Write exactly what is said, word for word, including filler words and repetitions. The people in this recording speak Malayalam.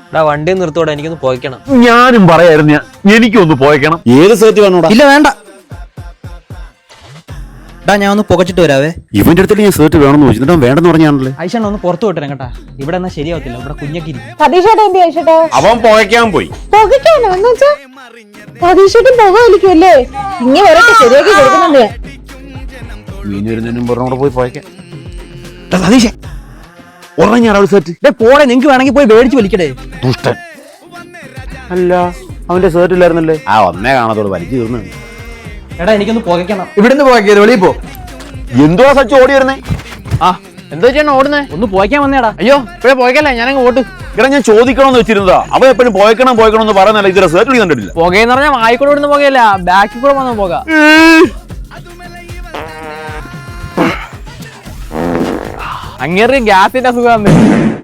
എടാ വണ്ടി നിർത്തോടെ, എനിക്കൊന്ന് പോയിക്കണം. ഞാനും പറയായിരുന്നു, എനിക്കൊന്ന് പോയിക്കണം. ഏത് സേർട്ട് വേണോടാ? ഇല്ല വേണ്ട. ടാ ഞാൻ ഒന്ന് പുകച്ചിട്ട് വരാവേ. ഇവന്റെ അടുത്ത് ഞാൻ സേർട്ട് വേണമെന്ന് ചോദിച്ചിട്ട് വേണ്ടെന്ന് പറഞ്ഞാണല്ലേ. ഐഷണ്ണ ഒന്ന് പുറത്തു വിട്ടേ കേട്ടാ, ഇവിടെ എന്നാ ശരിയാവത്തില്ല, ഇവിടെ കുഞ്ഞൊക്കെ ഇരിക്കും. സതീഷേട്ടാ എന്തി ഐഷേട്ടാ? അവൻ പുകയ്ക്കാൻ പോയി. പുകയ്ക്കാനോ? എന്ന് വെച്ചാ സതീഷേട്ടൻ പുക വലിക്കുമല്ലേ? ഇങ്ങനെ വരട്ടെ, ശരിയാക്കി കൊടുക്കുന്നുണ്ട് ഞാൻ. മീൻ വരുന്നതിനും പറഞ്ഞോടെ പോയി പുകയ്ക്കാൻ. സതീഷേ ഉറങ്ങി ഞാൻ സേർട്ട് പോടെ, നിങ്ങക്ക് വേണമെങ്കിൽ പോയി മേടിച്ച് വലിക്കടേ. ദുഷ്ടൻ. അല്ല അവന്റെ സേർട്ട് ഇല്ലായിരുന്നല്ലേ? ആ ഒന്നേ കാണാത്തോട് വലിച്ചു തീർന്നു. എടാ എനിക്കൊന്ന് പുകയ്ക്കണം. ഇവിടുന്ന് പുകയ്ക്കരുത്, വെളിയിൽ പോ. എന്തുവാ സച്ച് ഓടി വരുന്നേ? ആ എന്തോ ചെയ്യണം ഓടുന്നേ? ഒന്ന് പോയിക്കാൻ വന്നേടാ. അയ്യോ ഇപ്പഴേ പോയിക്കല്ലേ, ഞാനങ്ങ് ഓട്ടു. ഇവിടെ ഞാൻ ചോദിക്കണമെന്ന് വെച്ചിരുന്നതാ. അവ എപ്പോഴും പോയക്കണം പോയക്കണം എന്ന് പറയുന്നല്ല, ഇതുവരെ സേർട്ട് കണ്ടിട്ടില്ല. പുകയെന്ന് പറഞ്ഞാൽ വായിക്കൂടെ ഇവിടുന്ന് പുകയല്ല, ബാക്കിൽ കൂടെ വന്ന് പോക. അങ്ങേർക്ക് ഗ്യാസിന്റെ അസുഖം.